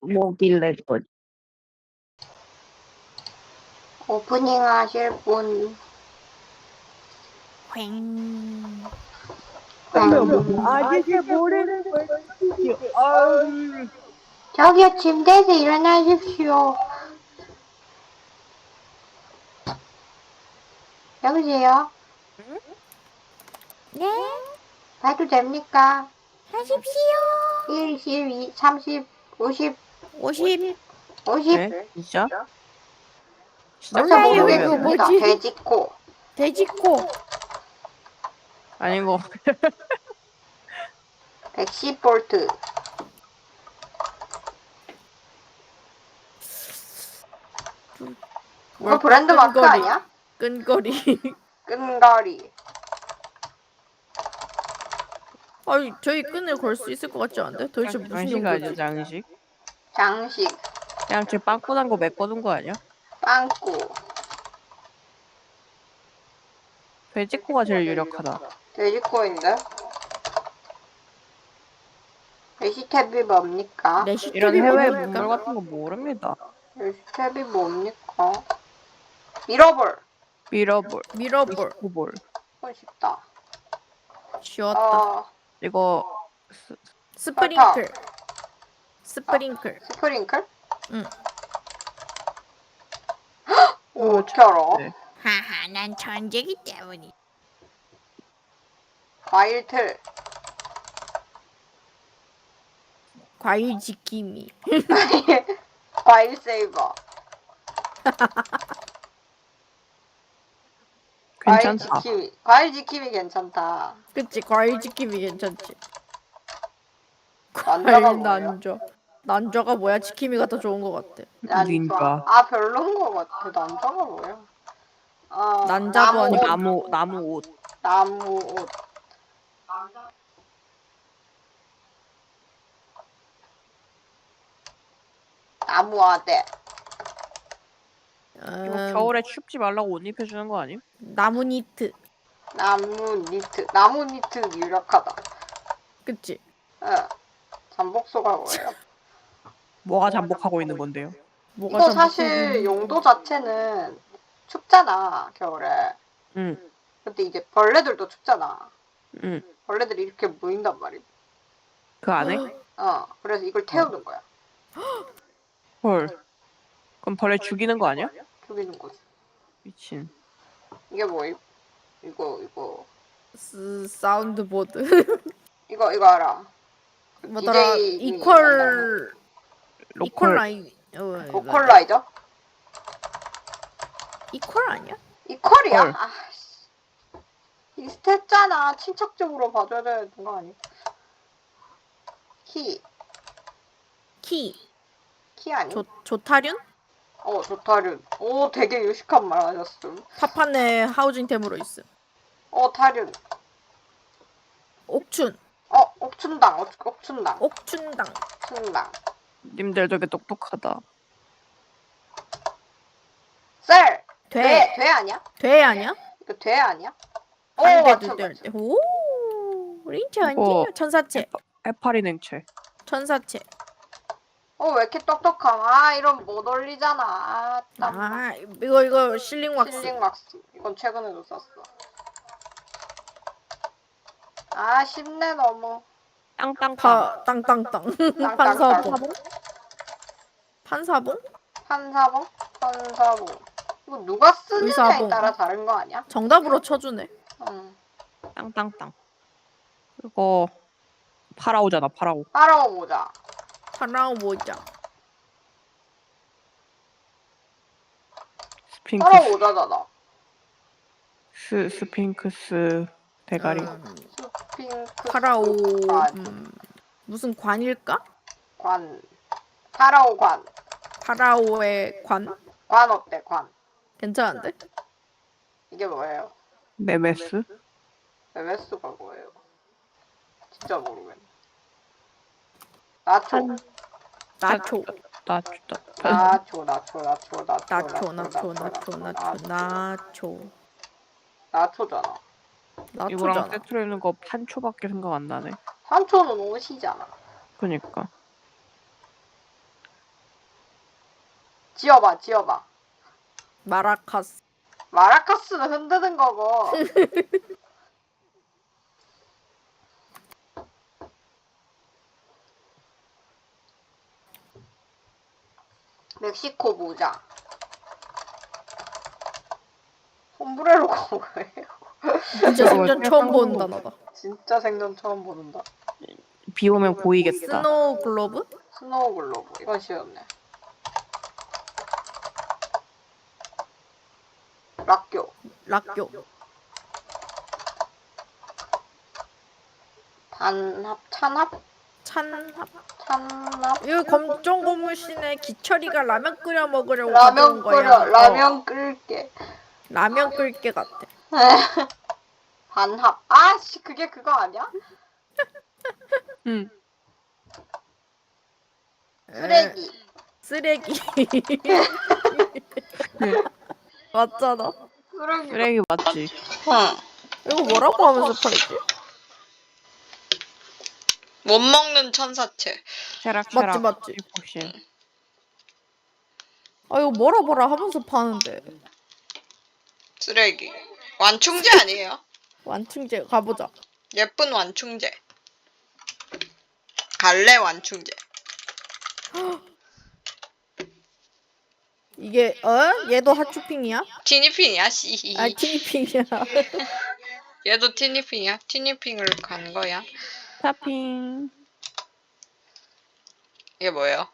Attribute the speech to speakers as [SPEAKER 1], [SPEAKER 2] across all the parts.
[SPEAKER 1] 뭐길래 거지?
[SPEAKER 2] 오프닝 하실 분.
[SPEAKER 3] 횡.
[SPEAKER 1] 아직도 모르는 거지. 아유.
[SPEAKER 2] 저기요, 침대에서 일어나십시오. 여보세요?
[SPEAKER 3] 응? 네?
[SPEAKER 2] 봐도 됩니까?
[SPEAKER 3] 하십시오.
[SPEAKER 2] 1, 12, 30, 50,
[SPEAKER 3] 50.
[SPEAKER 2] 50.
[SPEAKER 1] 네? 진짜?
[SPEAKER 2] 벌써
[SPEAKER 3] 몰라요.
[SPEAKER 2] 모르겠습니다.
[SPEAKER 3] 뭐지?
[SPEAKER 2] 돼지코.
[SPEAKER 3] 돼지코.
[SPEAKER 1] 아닌 거.
[SPEAKER 2] 110V. 그거 브랜드 마크
[SPEAKER 3] 끈거리.
[SPEAKER 2] 아니야?
[SPEAKER 3] 끈거리.
[SPEAKER 2] 끈거리.
[SPEAKER 3] 아니, 저희 끈을 걸 수 있을 것 같지 않은데? 도대체 무슨
[SPEAKER 1] 장식 아니야,
[SPEAKER 3] 용도지?
[SPEAKER 1] 장식?
[SPEAKER 2] 장식.
[SPEAKER 1] 그냥 제 빵꾸 난 거 메꿔둔 거 아니야?
[SPEAKER 2] 빵꾸.
[SPEAKER 1] 돼지코가 제일 유력하다.
[SPEAKER 2] 돼지코인데? 레시탭이 뭡니까?
[SPEAKER 1] 이런
[SPEAKER 3] 레시탭이
[SPEAKER 1] 해외
[SPEAKER 3] 뭡니까?
[SPEAKER 1] 문물 같은 거 모릅니다.
[SPEAKER 2] 레시탭이 뭡니까? 미러볼.
[SPEAKER 1] 미러볼,
[SPEAKER 3] 미러볼.
[SPEAKER 1] 볼.
[SPEAKER 2] 이건 쉽다.
[SPEAKER 3] 쉬웠다.
[SPEAKER 1] 이거
[SPEAKER 3] 스프링클. 스프링클.
[SPEAKER 2] 스프링클?
[SPEAKER 3] 응.
[SPEAKER 2] 오, 어떻게 알아?
[SPEAKER 1] 네.
[SPEAKER 3] 하하, 난 천재기 때문이.
[SPEAKER 2] 과일틀.
[SPEAKER 3] 과일 지킴이.
[SPEAKER 2] 과일 세이버.
[SPEAKER 1] 괜찮다.
[SPEAKER 2] 과일 지킴이 괜찮다.
[SPEAKER 3] 그치, 과일 지킴이 괜찮지.
[SPEAKER 2] 난자가
[SPEAKER 3] 과일
[SPEAKER 2] 뭐예요?
[SPEAKER 3] 난저. 난저가 뭐야? 지킴이가 더 좋은 것 같아.
[SPEAKER 1] 닌자.
[SPEAKER 2] 아, 별론 것 같아. 난자가 뭐야?
[SPEAKER 3] 난자도
[SPEAKER 2] 나무
[SPEAKER 3] 아니고
[SPEAKER 2] 옷.
[SPEAKER 1] 나무 옷.
[SPEAKER 2] 나무 옷. 나무 아대.
[SPEAKER 1] 이거 겨울에 춥지 말라고 옷 입혀주는 거 아님?
[SPEAKER 3] 나무 니트.
[SPEAKER 2] 나무 니트. 나무 니트 유력하다.
[SPEAKER 3] 그치?
[SPEAKER 2] 응. 잠복소가 뭐예요?
[SPEAKER 1] 뭐가 잠복하고 있는 건데요?
[SPEAKER 3] 뭐가
[SPEAKER 2] 이거
[SPEAKER 3] 잠복하고
[SPEAKER 2] 사실
[SPEAKER 3] 있는
[SPEAKER 2] 용도 자체는 춥잖아, 겨울에.
[SPEAKER 1] 응,
[SPEAKER 2] 근데 이제 벌레들도 춥잖아.
[SPEAKER 1] 응.
[SPEAKER 2] 벌레들이 이렇게 모인단 말이야.
[SPEAKER 1] 그 안에?
[SPEAKER 2] 그래서 이걸 태우는 거야.
[SPEAKER 1] 헐. 그럼 벌레 죽이는 거 아니야?
[SPEAKER 2] 죽이는 거지.
[SPEAKER 1] 미친.
[SPEAKER 2] 이게 뭐임? 이거.
[SPEAKER 3] 사운드보드.
[SPEAKER 2] 이거 알아.
[SPEAKER 3] 뭐더라?
[SPEAKER 2] DJ
[SPEAKER 3] 이퀄 라인.
[SPEAKER 2] 보컬라이저?
[SPEAKER 3] 이퀄 아니야?
[SPEAKER 2] 이퀄이야?
[SPEAKER 1] 헐.
[SPEAKER 2] 아씨. 비슷했잖아. 친척적으로 봐줘야 되는 거 아니야? 키 아니?
[SPEAKER 3] 조타륜?
[SPEAKER 2] 조타륜. 오, 되게 유식한 말 하셨음.
[SPEAKER 3] 파판의 하우징템으로 있음.
[SPEAKER 2] 타륜.
[SPEAKER 3] 옥춘.
[SPEAKER 2] 옥춘당.
[SPEAKER 3] 옥춘당.
[SPEAKER 1] 님들 되게 똑똑하다.
[SPEAKER 2] 셀!
[SPEAKER 3] 돼.
[SPEAKER 2] 돼 아니야?
[SPEAKER 3] 돼 아니야?
[SPEAKER 2] 이거 돼 아니야?
[SPEAKER 3] 한대도 될 때. 오. 린처
[SPEAKER 1] 이거
[SPEAKER 3] 천사체.
[SPEAKER 1] 해파리 냉채.
[SPEAKER 3] 천사체.
[SPEAKER 2] 왜 이렇게 똑똑함? 이런 못 올리잖아.
[SPEAKER 3] 이거 실링 왁스.
[SPEAKER 2] 실링 왁스. 이건 최근에도 썼어. 쉽네 너무.
[SPEAKER 1] 땅땅땅.
[SPEAKER 3] 땅땅땅.
[SPEAKER 2] 땅땅땅.
[SPEAKER 3] 판사봉?
[SPEAKER 2] 판사봉. 이거 누가 쓰느냐에
[SPEAKER 3] 의사봉.
[SPEAKER 2] 따라 다른 거 아니야?
[SPEAKER 3] 정답으로 쳐주네.
[SPEAKER 1] 땅땅땅. 이거 파라오잖아, 파라오.
[SPEAKER 2] 파라오 모자.
[SPEAKER 3] 파라오 모자.
[SPEAKER 1] 스핑크스.
[SPEAKER 2] 파라오 모자잖아.
[SPEAKER 1] 스핑크스 대가리.
[SPEAKER 2] 스핑크스.
[SPEAKER 3] 파라오 무슨 관일까?
[SPEAKER 2] 파라오 관.
[SPEAKER 3] 파라오의 관?
[SPEAKER 2] 관 어때? 관.
[SPEAKER 3] 괜찮은데?
[SPEAKER 2] 이게 뭐예요?
[SPEAKER 1] 메메스?
[SPEAKER 2] MS가 뭐예요? 진짜 모르겠네. 나초.
[SPEAKER 3] 나초.
[SPEAKER 2] 나초잖아.
[SPEAKER 1] 이거랑 세트로 입는 거 판초밖에 생각 안 나네.
[SPEAKER 2] 산초는 옷이잖아.
[SPEAKER 1] 그니까.
[SPEAKER 2] 지어봐, 지어봐.
[SPEAKER 3] 마라카스.
[SPEAKER 2] 마라카스는 흔드는 거고. 멕시코 모자. 솜브레로가 뭐예요?
[SPEAKER 3] 진짜 생전
[SPEAKER 1] 약간
[SPEAKER 3] 처음 보는
[SPEAKER 1] 한국-
[SPEAKER 3] 단어다.
[SPEAKER 2] 진짜 생전 처음 보는다.
[SPEAKER 1] 비 오면 보이겠다.
[SPEAKER 3] 스노우 글로브?
[SPEAKER 2] 스노우 글로브. 이건 쉬웠네. 락교.
[SPEAKER 3] 락교.
[SPEAKER 2] 단합, 찬합?
[SPEAKER 3] 찬합.
[SPEAKER 2] 찬합?
[SPEAKER 3] 이거 검정 고무신에 기철이가 라면 끓여 먹으려고
[SPEAKER 2] 라면
[SPEAKER 3] 가져온 거야.
[SPEAKER 2] 끓여, 라면 끓게.
[SPEAKER 3] 라면 끓게 같아.
[SPEAKER 2] 반합. 아씨, 그게 그거 아니야?
[SPEAKER 1] 응.
[SPEAKER 2] 쓰레기.
[SPEAKER 3] 쓰레기. 맞잖아.
[SPEAKER 2] 쓰레기.
[SPEAKER 1] 쓰레기 맞지?
[SPEAKER 2] 응.
[SPEAKER 3] 이거 뭐라고 하면서 팔지?
[SPEAKER 2] 못 먹는 천사채.
[SPEAKER 1] 체락
[SPEAKER 3] 맞지.
[SPEAKER 1] 포션.
[SPEAKER 3] 아 이거 뭐라 하면서 파는데.
[SPEAKER 2] 쓰레기. 완충제 아니에요?
[SPEAKER 3] 완충제 가보자.
[SPEAKER 2] 예쁜 완충제. 갈래 완충제.
[SPEAKER 3] 이게 얘도 핫쇼핑이야?
[SPEAKER 2] 티니핑이야, 씨.
[SPEAKER 3] 아 티니핑이야.
[SPEAKER 2] 얘도 티니핑이야? 티니핑을 간 거야?
[SPEAKER 1] 타핑.
[SPEAKER 2] 이게 뭐예요?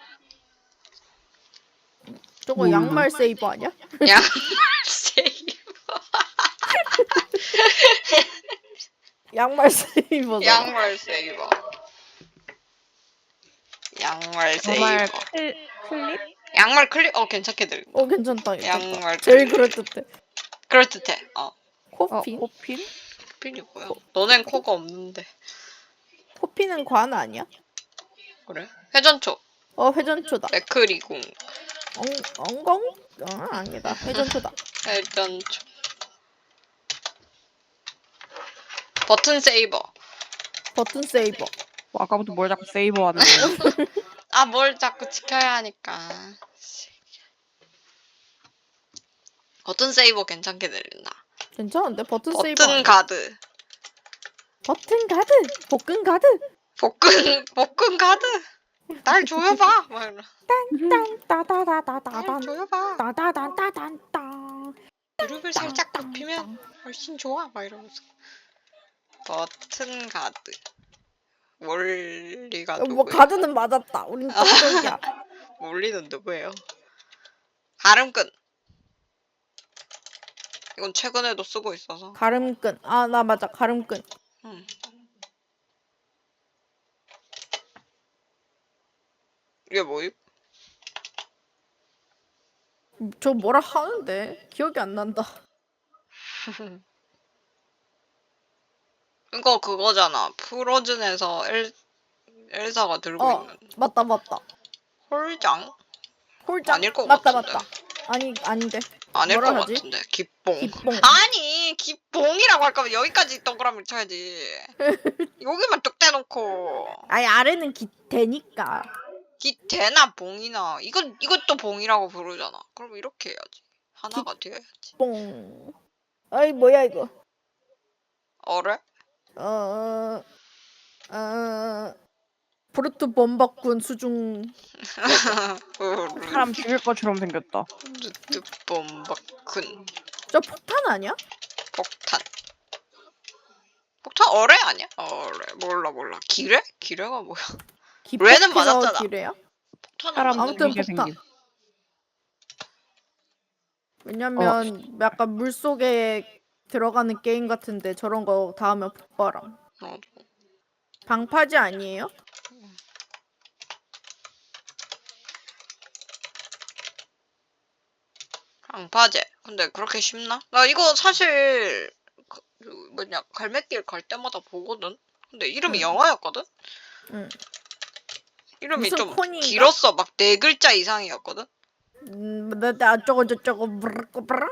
[SPEAKER 3] 저거
[SPEAKER 1] 뭘로?
[SPEAKER 3] 양말 세이버 아니야?
[SPEAKER 2] 양말 세이버.
[SPEAKER 3] 양말 세이버잖아.
[SPEAKER 2] 양말 세이버. 양말
[SPEAKER 1] 정말
[SPEAKER 2] 세이버.
[SPEAKER 1] 클립?
[SPEAKER 2] 양말 클립? 괜찮게 들.
[SPEAKER 3] 괜찮다.
[SPEAKER 2] 양말
[SPEAKER 3] 제일
[SPEAKER 2] 클립.
[SPEAKER 3] 그럴듯해.
[SPEAKER 2] 그럴듯해.
[SPEAKER 3] 코피?
[SPEAKER 1] 코핀?
[SPEAKER 2] 필이 뭐야? 너넨 코가 없는데.
[SPEAKER 3] 코피는 관 아니야?
[SPEAKER 2] 그래? 회전초.
[SPEAKER 3] 회전초다.
[SPEAKER 2] 맥크리궁.
[SPEAKER 3] 엉엉? 아니다. 회전초다.
[SPEAKER 2] 회전초. 버튼 세이버.
[SPEAKER 3] 버튼 세이버.
[SPEAKER 1] 아까부터 뭘 자꾸 세이버 하는 거야?
[SPEAKER 2] 뭘 자꾸 지켜야 하니까. 버튼 세이버 괜찮게 들린다.
[SPEAKER 3] 괜찮은데? 버튼 세이버.
[SPEAKER 2] 버튼
[SPEAKER 3] 아니야?
[SPEAKER 2] 가드.
[SPEAKER 3] 버튼 가드. 복근 가드.
[SPEAKER 2] 복근 가드. 날 조여봐. 막 이러. 날
[SPEAKER 3] 딴따다다다다단.
[SPEAKER 2] 조여봐.
[SPEAKER 3] 따다단따단따.
[SPEAKER 2] 무릎을 살짝 굽히면 훨씬 좋아. 막 이러면서. 버튼 가드. 원리가
[SPEAKER 3] 뭐
[SPEAKER 2] 누구예요?
[SPEAKER 3] 가드는 맞았다. 우린 똑똑이야.
[SPEAKER 2] 원리는 누구예요? 가름끈. 이건 최근에도 쓰고 있어서.
[SPEAKER 3] 가름끈. 나 맞아. 가름끈.
[SPEAKER 2] 응. 이게 뭐임?
[SPEAKER 3] 저 뭐라 하는데 기억이 안 난다.
[SPEAKER 2] 이거 그거잖아. 프로즌에서 엘사가 들고 있는
[SPEAKER 3] 맞다.
[SPEAKER 2] 홀장?
[SPEAKER 3] 홀장.
[SPEAKER 2] 아닐 것
[SPEAKER 3] 맞다.
[SPEAKER 2] 같은데.
[SPEAKER 3] 아닌데.
[SPEAKER 2] 아닐 것
[SPEAKER 3] 뭐라 하지?
[SPEAKER 2] 같은데. 기뽕.
[SPEAKER 3] 기뽕.
[SPEAKER 2] 아니 기뽕이라고 할 거면 여기까지 동그라미를 쳐야지. 여기만 뚝 떼놓고.
[SPEAKER 3] 아니 아래는 기대니까.
[SPEAKER 2] 기대나 봉이나 이것도 봉이라고 부르잖아. 그럼 이렇게 해야지. 하나가 되어야지.
[SPEAKER 3] 뽕. 아이 뭐야 이거.
[SPEAKER 2] 어래?
[SPEAKER 3] 브루트 범벅군 수중.
[SPEAKER 1] 사람 죽일 것처럼 생겼다.
[SPEAKER 2] 루트범바큰
[SPEAKER 3] 저 폭탄 아니야?
[SPEAKER 2] 폭탄. 폭탄 어래 아니야? 어래 몰라. 기뢰? 기뢰가 뭐야? 레는 맞았잖아.
[SPEAKER 3] 기래야?
[SPEAKER 2] 폭탄은
[SPEAKER 1] 사람
[SPEAKER 2] 맞는
[SPEAKER 3] 아무튼
[SPEAKER 1] 죽이게
[SPEAKER 3] 폭탄.
[SPEAKER 1] 생김.
[SPEAKER 3] 왜냐면 약간 물 속에 들어가는 게임 같은데 저런 거 닿으면 폭발함. 방파제 아니에요?
[SPEAKER 2] 방파제. 근데 그렇게 쉽나? 나 이거 사실 갈매길 갈 때마다 보거든. 근데 이름이
[SPEAKER 3] 응.
[SPEAKER 2] 영어였거든.
[SPEAKER 3] 응.
[SPEAKER 2] 이름이
[SPEAKER 3] 무슨
[SPEAKER 2] 좀
[SPEAKER 3] 콘인가?
[SPEAKER 2] 길었어. 막 4글자 이상이었거든.
[SPEAKER 3] 어쩌고 저쩌고 브르르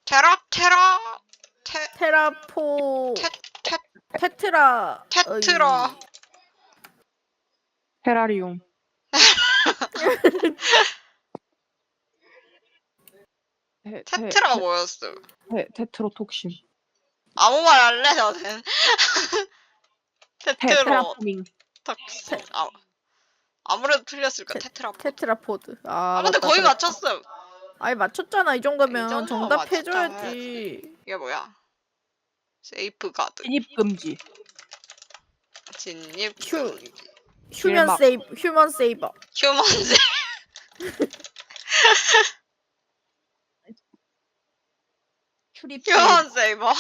[SPEAKER 3] 테라포
[SPEAKER 2] 테-
[SPEAKER 3] 테트라
[SPEAKER 2] 테트라.
[SPEAKER 1] 테라리움.
[SPEAKER 2] 테트라 뭐였어?
[SPEAKER 1] 테트로톡신.
[SPEAKER 2] 아무 말 할래 너는? 테트로
[SPEAKER 1] 테라포밍.
[SPEAKER 2] 톡신. 아무래도 틀렸을까?
[SPEAKER 3] 테-
[SPEAKER 2] 테트라포드.
[SPEAKER 3] 테트라포드. 아
[SPEAKER 2] 근데
[SPEAKER 3] 맞다.
[SPEAKER 2] 거의
[SPEAKER 3] 그랬다.
[SPEAKER 2] 맞췄음.
[SPEAKER 3] 아니 맞췄잖아. 이 정도면
[SPEAKER 2] 정도면
[SPEAKER 3] 정답해줘야지.
[SPEAKER 2] 이게 뭐야? 세이프 가드.
[SPEAKER 1] 진입 금지.
[SPEAKER 2] 진입
[SPEAKER 3] 휴.
[SPEAKER 2] 금지.
[SPEAKER 3] 휴먼
[SPEAKER 1] 길막.
[SPEAKER 3] 세이버. 휴먼 세이버.
[SPEAKER 2] 휴먼즈.
[SPEAKER 1] 출입.
[SPEAKER 2] 휴먼 세이버.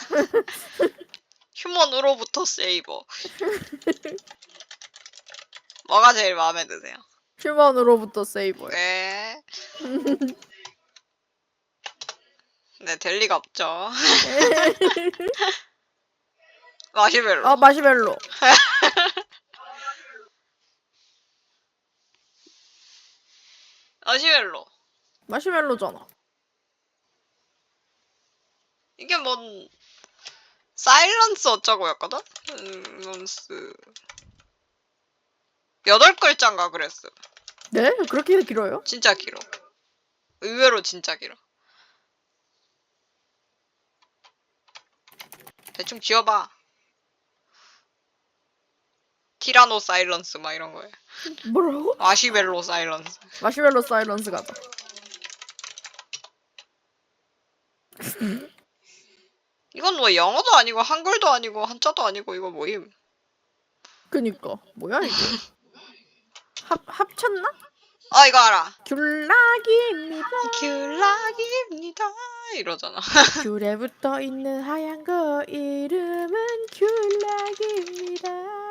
[SPEAKER 2] 휴먼으로부터 세이버. 뭐가 제일 마음에 드세요?
[SPEAKER 3] 휴먼으로부터 세이버요.
[SPEAKER 2] 네. 네, 될 리가 없죠. 마시멜로.
[SPEAKER 3] 아 마시멜로.
[SPEAKER 2] 마시멜로.
[SPEAKER 3] 마시멜로잖아.
[SPEAKER 2] 이게 뭔 사일런스 어쩌고였거든? 사일런스 8글자인가 그랬어.
[SPEAKER 3] 네? 그렇게 길어요?
[SPEAKER 2] 진짜 길어. 의외로 진짜 길어. 대충 지어봐. 티라노 사일런스 막 이런 거예요.
[SPEAKER 3] 뭐라고?
[SPEAKER 2] 마시멜로 사일런스.
[SPEAKER 3] 마시멜로 사일런스 가자.
[SPEAKER 2] 이건 뭐 영어도 아니고 한글도 아니고 한자도 아니고 이거 뭐임?
[SPEAKER 3] 그니까 뭐야 이게? 합쳤나?
[SPEAKER 2] 아 이거 알아.
[SPEAKER 3] 귤락입니다.
[SPEAKER 2] 귤락입니다. 이러잖아.
[SPEAKER 3] 귤에 붙어 있는 하얀 거 이름은 귤락입니다.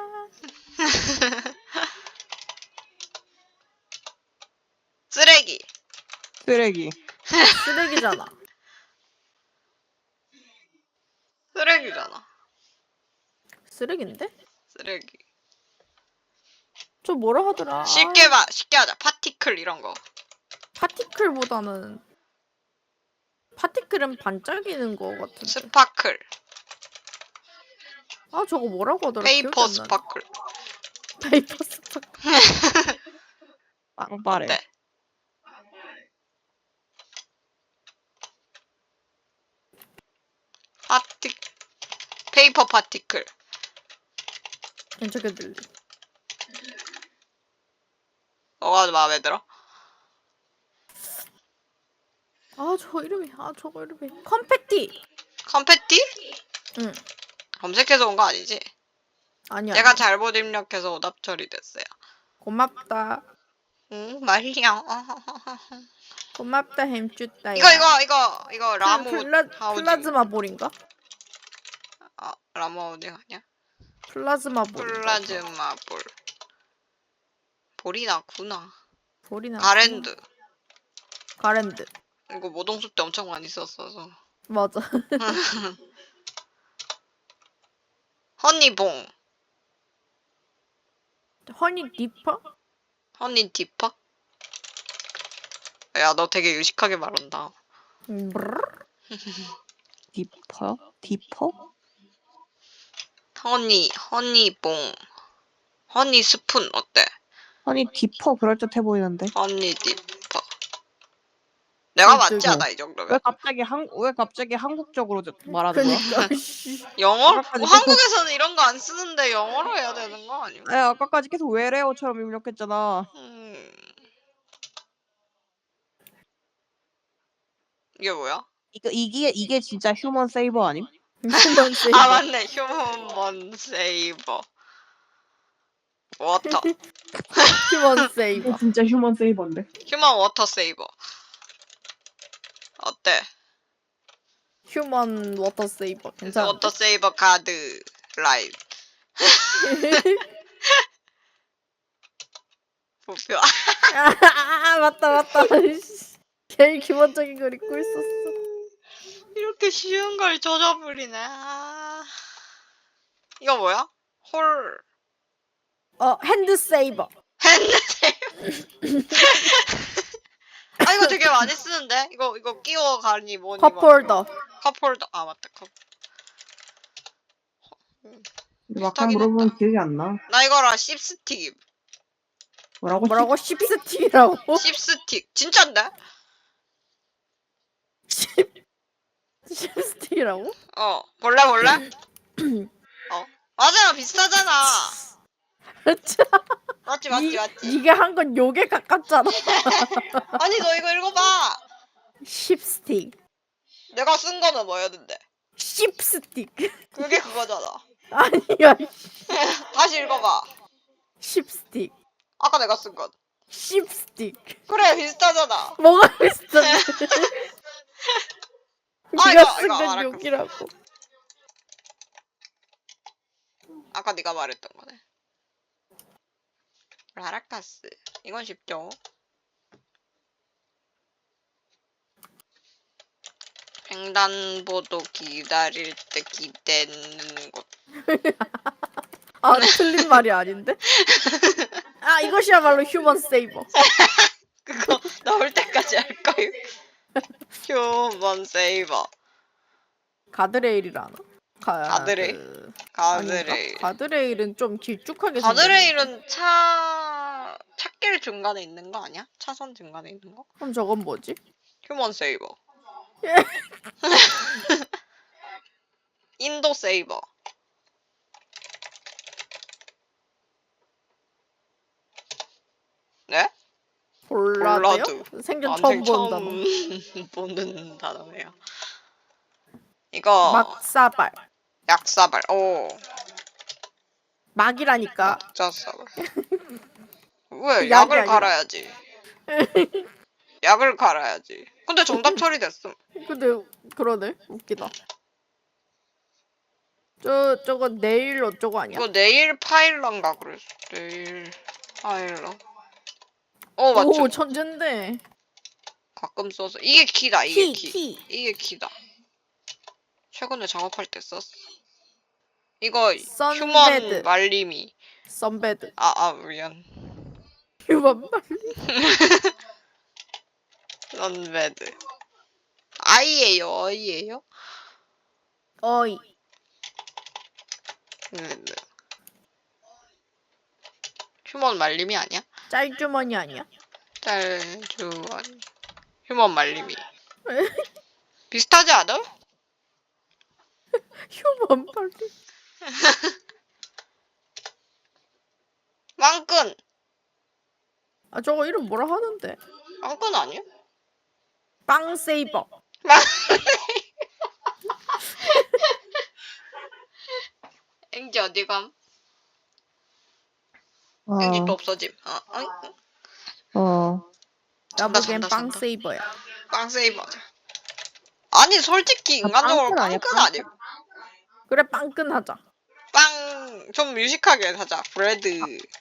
[SPEAKER 2] 쓰레기.
[SPEAKER 1] 쓰레기.
[SPEAKER 3] 쓰레기잖아.
[SPEAKER 2] 쓰레기잖아.
[SPEAKER 3] 쓰레기인데?
[SPEAKER 2] 쓰레기.
[SPEAKER 3] 저 뭐라 하더라?
[SPEAKER 2] 쉽게 하자. 파티클 이런 거.
[SPEAKER 3] 파티클보다는 파티클은 반짝이는 거 같은데.
[SPEAKER 2] 스파클.
[SPEAKER 3] 아 저거 뭐라고 하더라?
[SPEAKER 2] 페이퍼
[SPEAKER 3] 기억이 안 나네.
[SPEAKER 2] 스파클.
[SPEAKER 3] 페이퍼 스파클.
[SPEAKER 1] 빵빠레.
[SPEAKER 2] 네. 페이퍼 파티클.
[SPEAKER 3] 괜찮게 들리.
[SPEAKER 2] 뭐가 마음에 들어?
[SPEAKER 3] 아 저거 이름이 컴패티.
[SPEAKER 2] 컴패티?
[SPEAKER 3] 응.
[SPEAKER 2] 검색해서 온 거 아니지?
[SPEAKER 3] 아니야.
[SPEAKER 2] 내가 잘못 입력해서 오답 처리됐어요.
[SPEAKER 3] 고맙다.
[SPEAKER 2] 응, 말이야.
[SPEAKER 3] 고맙다 햄쭈따야.
[SPEAKER 2] 이거 라모 하우징.
[SPEAKER 3] 플라즈마 볼인가?
[SPEAKER 2] 아, 라모 하우징 아니야?
[SPEAKER 3] 플라즈마 볼.
[SPEAKER 2] 플라즈마 볼. 볼이 나구나.
[SPEAKER 3] 볼이나.
[SPEAKER 2] 가랜드.
[SPEAKER 3] 가랜드.
[SPEAKER 2] 이거 모동숲 때 엄청 많이 썼어서.
[SPEAKER 3] 맞아.
[SPEAKER 2] 허니봉.
[SPEAKER 3] 허니 디퍼?
[SPEAKER 2] 허니 디퍼? 야, 너 되게 유식하게 말한다.
[SPEAKER 3] 브르르?
[SPEAKER 1] 디퍼? 디퍼?
[SPEAKER 2] 허니봉. 허니 스푼 어때?
[SPEAKER 1] 아니 디퍼 그럴듯해 보이는데.
[SPEAKER 2] 허니 디퍼. 내가 맞지
[SPEAKER 3] 깜짝이야.
[SPEAKER 2] 않아 이 정도면?
[SPEAKER 1] 왜 갑자기 한국적으로 말하는 거야?
[SPEAKER 3] 그니까 씨.
[SPEAKER 2] 영어?
[SPEAKER 1] 아까까지
[SPEAKER 2] 뭐
[SPEAKER 1] 계속-
[SPEAKER 2] 한국에서는 이런 거 안 쓰는데 영어로 해야 되는 거 아니야?
[SPEAKER 1] 아 아까까지 계속 외래어처럼 입력했잖아.
[SPEAKER 2] 이게 뭐야?
[SPEAKER 1] 이게 진짜 휴먼 세이버 아님?
[SPEAKER 3] 휴먼 세이버.
[SPEAKER 2] 아 맞네. 휴먼 세이버. 워터.
[SPEAKER 3] 휴먼 세이버.
[SPEAKER 1] 이게 진짜 휴먼 세이버인데.
[SPEAKER 2] 휴먼 워터 세이버. 어때?
[SPEAKER 3] 휴먼 워터 세이버. 괜찮아.
[SPEAKER 2] 워터 세이버 카드 라이브. 부표.
[SPEAKER 3] 맞다. 씨. 제일 기본적인 걸 잊고 있었어.
[SPEAKER 2] 이렇게 쉬운 걸 젖어버리네. 아. 이거 뭐야? 홀.
[SPEAKER 3] 핸드 세이버.
[SPEAKER 2] 핸드 세이버. 아 이거 되게 많이 쓰는데? 이거 끼워 가니 뭐니
[SPEAKER 3] 컵홀더.
[SPEAKER 2] 컵홀더. 아 맞다 컵.
[SPEAKER 1] 막상
[SPEAKER 2] 비슷하긴
[SPEAKER 1] 물어보면
[SPEAKER 2] 했다.
[SPEAKER 1] 기억이 안 나.
[SPEAKER 2] 나 이거랑 씹스틱.
[SPEAKER 1] 뭐라고?
[SPEAKER 3] 뭐라고? 씹스틱이라고?
[SPEAKER 2] 씹스틱. 진짠데?
[SPEAKER 3] 칩스틱이라고?
[SPEAKER 2] 몰라 몰라? 맞아 비슷하잖아. 맞지 맞지 맞지.
[SPEAKER 3] 네가 한 건 욕에 가깝잖아.
[SPEAKER 2] 아니 너 이거 읽어봐.
[SPEAKER 3] 칩스틱.
[SPEAKER 2] 내가 쓴 거는 뭐였는데?
[SPEAKER 3] 칩스틱.
[SPEAKER 2] 그게 그거잖아.
[SPEAKER 3] 아니야.
[SPEAKER 2] 다시 읽어봐.
[SPEAKER 3] 칩스틱.
[SPEAKER 2] 아까 내가 쓴 건.
[SPEAKER 3] 칩스틱.
[SPEAKER 2] 그래 비슷하잖아.
[SPEAKER 3] 뭐가 비슷한데?
[SPEAKER 2] 아,
[SPEAKER 3] 네가
[SPEAKER 2] 이거
[SPEAKER 3] 쓴 건
[SPEAKER 2] 알았어.
[SPEAKER 3] 욕이라고.
[SPEAKER 2] 아까 네가 말했던 거네. 라라카스. 이건 쉽죠. 횡단보도 기다릴 때 기대는 곳.
[SPEAKER 3] 아 틀린 말이 아닌데? 아 이것이야말로 휴먼 세이버.
[SPEAKER 2] 그거 나올 때까지 할 거예요. 휴먼 세이버.
[SPEAKER 3] 가드레일이라나?
[SPEAKER 2] 가드레일?
[SPEAKER 3] 아닌가?
[SPEAKER 2] 가드레일.
[SPEAKER 3] 가드레일은 좀 길쭉하게
[SPEAKER 2] 가드레일은 차길 중간에 있는 거 아니야? 차선 중간에 있는 거?
[SPEAKER 3] 그럼 저건 뭐지?
[SPEAKER 2] 휴먼 세이버. 인도 세이버. 네?
[SPEAKER 3] 볼라드요? 생전 처음 본 단어.
[SPEAKER 2] 보는 단어예요. 이거
[SPEAKER 3] 막사발.
[SPEAKER 2] 약사발. 오.
[SPEAKER 3] 막이라니까.
[SPEAKER 2] 약자사발. 왜?
[SPEAKER 3] 약이
[SPEAKER 2] 약을
[SPEAKER 3] 아니라.
[SPEAKER 2] 갈아야지. 약을 갈아야지. 근데 정답 처리됐음.
[SPEAKER 3] 근데 그러네. 웃기다. 저건 네일 어쩌고 아니야?
[SPEAKER 2] 이거 네일 파일런가 그랬어. 네일 파일런. 맞죠.
[SPEAKER 3] 오 천재인데.
[SPEAKER 2] 가끔 써서 이게 키다. 이게 키.
[SPEAKER 3] 키.
[SPEAKER 2] 이게 키다. 최근에 작업할 때 썼어. 이거
[SPEAKER 3] 선베드.
[SPEAKER 2] 휴먼 말림이.
[SPEAKER 3] 선베드.
[SPEAKER 2] 미안.
[SPEAKER 3] 휴먼 말.
[SPEAKER 2] 선베드. 아이예요. 어이예요?
[SPEAKER 3] 어이.
[SPEAKER 2] 네. 휴먼 말림이 아니야?
[SPEAKER 3] 짤주머니 아니야?
[SPEAKER 2] 짤주원. 휴먼 말림이. 비슷하지 않아?
[SPEAKER 3] 휴먼 말림.
[SPEAKER 2] 빵끈.
[SPEAKER 3] 아 저거 이름 뭐라 하는데?
[SPEAKER 2] 빵끈 아니야?
[SPEAKER 3] 빵 세이버.
[SPEAKER 2] 앵지 어디 감? 앵지 또 없어짐. 잔다,
[SPEAKER 3] 나보기엔
[SPEAKER 2] 잔다,
[SPEAKER 3] 빵
[SPEAKER 2] 잔다.
[SPEAKER 3] 세이버야.
[SPEAKER 2] 빵 세이버. 아니 솔직히 인간적으로
[SPEAKER 1] 빵끈 아니야,
[SPEAKER 2] 빵끈 아니야?
[SPEAKER 3] 그래 빵끈 하자.
[SPEAKER 2] 빵 좀 유식하게 하자. 브레드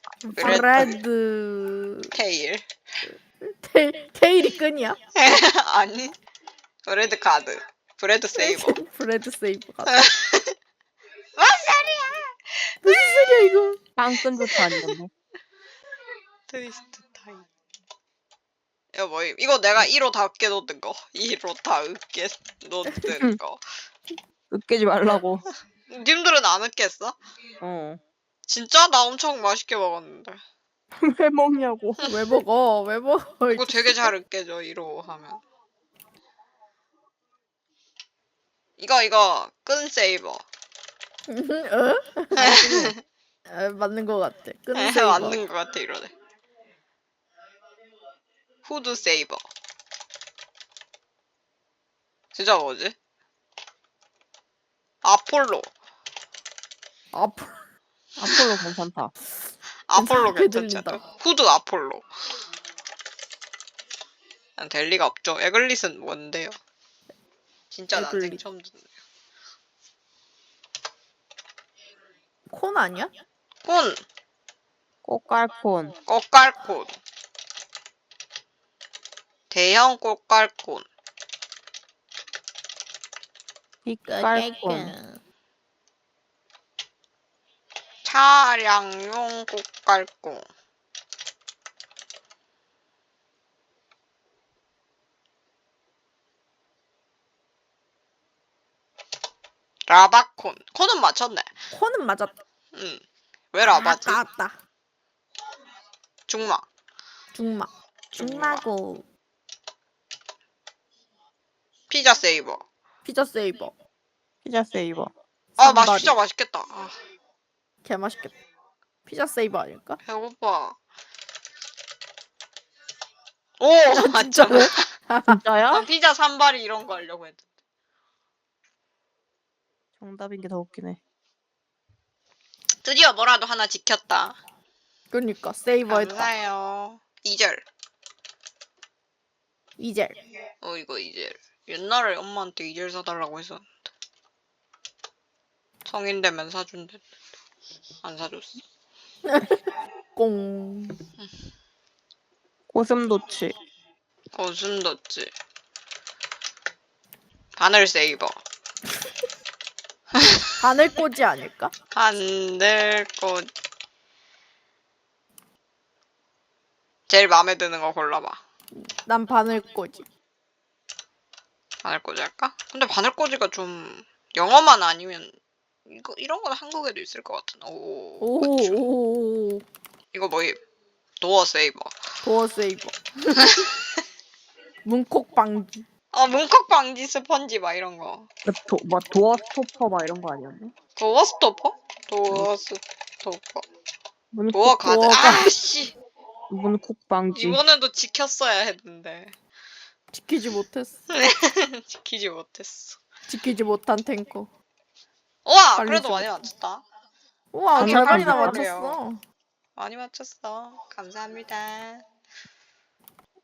[SPEAKER 3] 브레드.
[SPEAKER 2] 테일.
[SPEAKER 3] 테일이 끈이야?
[SPEAKER 2] 아니 브레드 카드. 브레드 세이버.
[SPEAKER 3] 브레드 세이버 같아.
[SPEAKER 2] 뭔 소리야?
[SPEAKER 3] 무슨 소리야 이거?
[SPEAKER 1] 빵끈부터 아니었네.
[SPEAKER 2] 트위스트 타임. 이거 뭐임? 이거 내가 1호 다 으깨 놓는 거. 1호 다 으깨 놓는 거.
[SPEAKER 1] 으깨지 말라고.
[SPEAKER 2] 님들은 안 으깼어? 진짜? 나 엄청 맛있게 먹었는데.
[SPEAKER 1] 왜 먹냐고.
[SPEAKER 3] 왜 먹어? 왜 먹어?
[SPEAKER 2] 이거 되게 잘 으깨져 1호 하면. 이거 끈 세이버.
[SPEAKER 3] 어? 맞는 거 같아. 끈 세이버.
[SPEAKER 2] 맞는 것 같아 이러네. 후드 세이버. 진짜 뭐지? 아폴로.
[SPEAKER 1] 아폴로 괜찮다.
[SPEAKER 2] 아폴로
[SPEAKER 3] 괜찮게
[SPEAKER 2] 괜찮지 않아?
[SPEAKER 3] 들린다.
[SPEAKER 2] 후드 아폴로. 난 될 리가 없죠. 에글릿은 뭔데요? 진짜 난생
[SPEAKER 3] 에글릿.
[SPEAKER 2] 처음 듣네.
[SPEAKER 3] 콘 아니야?
[SPEAKER 2] 콘.
[SPEAKER 1] 꽃갈콘.
[SPEAKER 2] 꽃갈콘. 대형 꽃갈콘.
[SPEAKER 1] 빛깔콘.
[SPEAKER 2] 차량용 꽃갈콘. 라바콘. 콘은 맞췄네.
[SPEAKER 3] 콘은 맞았다.
[SPEAKER 2] 응. 왜 라바지?
[SPEAKER 3] 아깝다.
[SPEAKER 2] 중마.
[SPEAKER 3] 중마. 중마고.
[SPEAKER 2] 피자 세이버.
[SPEAKER 3] 피자 세이버.
[SPEAKER 1] 피자 세이버.
[SPEAKER 2] 아,
[SPEAKER 3] 산다리.
[SPEAKER 2] 진짜 맛있겠다. 아,
[SPEAKER 3] 개 맛있겠다. 피자 세이버 아닐까?
[SPEAKER 2] 배고파. 오, 맞죠?
[SPEAKER 3] 진짜로?
[SPEAKER 1] 진짜야?
[SPEAKER 2] 난 피자 산발이 이런 거 하려고 했는데.
[SPEAKER 1] 정답인 게 더 웃기네.
[SPEAKER 2] 드디어 뭐라도 하나 지켰다.
[SPEAKER 3] 그니까 세이버했다.
[SPEAKER 2] 감사해요. 2절.
[SPEAKER 3] 이젤.
[SPEAKER 2] 이거 2절. 옛날에 엄마한테 2절 사달라고 했었는데. 성인 되면 사준대. 안 사줬어.
[SPEAKER 3] 꽁.
[SPEAKER 1] 고슴도치.
[SPEAKER 2] 웃음 뒀지. 바늘 세이버.
[SPEAKER 3] 바늘꽂이 아닐까?
[SPEAKER 2] 바늘 꽃. 제일 마음에 드는 거 골라봐.
[SPEAKER 3] 난 바늘꽂이.
[SPEAKER 2] 바늘꽂이 할까? 근데 바늘꽂이가 좀 영어만 아니면 이런 건 한국에도 있을 것 같은. 오. 그쵸.
[SPEAKER 3] 오.
[SPEAKER 2] 이거 뭐임? 도어 세이버.
[SPEAKER 3] 도어 세이버. 문콕 방지.
[SPEAKER 2] 문콕 방지 스펀지 막 이런 거.
[SPEAKER 1] 뭐 도어 스토퍼 막 이런 거 아니었나?
[SPEAKER 2] 도어 스토퍼? 도어 스토퍼.
[SPEAKER 1] 문콕,
[SPEAKER 2] 도어 가드.
[SPEAKER 3] 도어가.
[SPEAKER 2] 아씨.
[SPEAKER 1] 문콕 방지.
[SPEAKER 2] 이번에도 지켰어야 했는데
[SPEAKER 3] 지키지 못했어.
[SPEAKER 2] 지키지 못했어.
[SPEAKER 3] 지키지 못한 탱커.
[SPEAKER 2] 우와,
[SPEAKER 3] 빨리
[SPEAKER 2] 그래도
[SPEAKER 3] 좀.
[SPEAKER 2] 많이 맞췄다.
[SPEAKER 3] 우와,
[SPEAKER 1] 아니,
[SPEAKER 3] 절반이나
[SPEAKER 1] 아니,
[SPEAKER 3] 맞췄어.
[SPEAKER 2] 많이 맞췄어. 감사합니다.